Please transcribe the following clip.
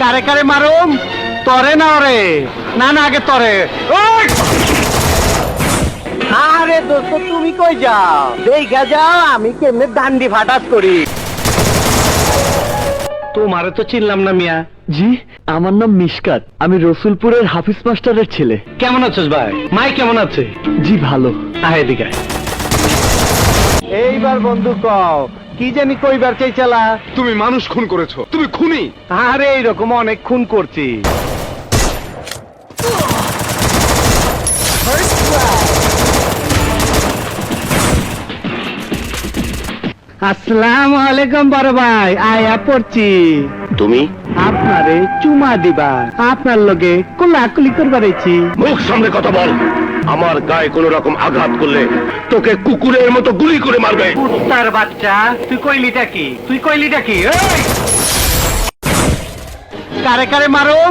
কারে কারে মারুম? তরে না ওরে? না না আগে তরে। ওই! আরে দোস্ত তুমি কই যাও? দেখা যাও আমি কেমনে ডান্ডি ফাটাস করি। তোমারে তো চিনলাম না মিয়া। জি, আমার নাম মিশকাত, আমি রসুলপুরের হাফিজ মাস্টারের ছেলে। কেমন আছিস ভাই? মাই কেমন আছে? জি ভালো। আয় এদিকে আয়। এইবার বন্ধু কও কি জানি কইবার চাইছালা? তুমি মানুষ খুন করেছো, তুমি খুনি। আরে এইরকম অনেক খুন করছি। আসসালামু আলাইকুম বড় ভাই, আয়া পড়ছি। তুমি আপনারে চুমা দিবা, আপনার লগে কোলাকুলি করবার আইছি। মুখ সামনে কথা বল। আমার গায়ে কোন রকম আঘাত করলে তোকে কুকুরের মতো গুলি করে মারবে। কুত্তার বাচ্চা, তুই কইলিটা কি? তুই কইলিটা কি? এই! কারে কারে মারো?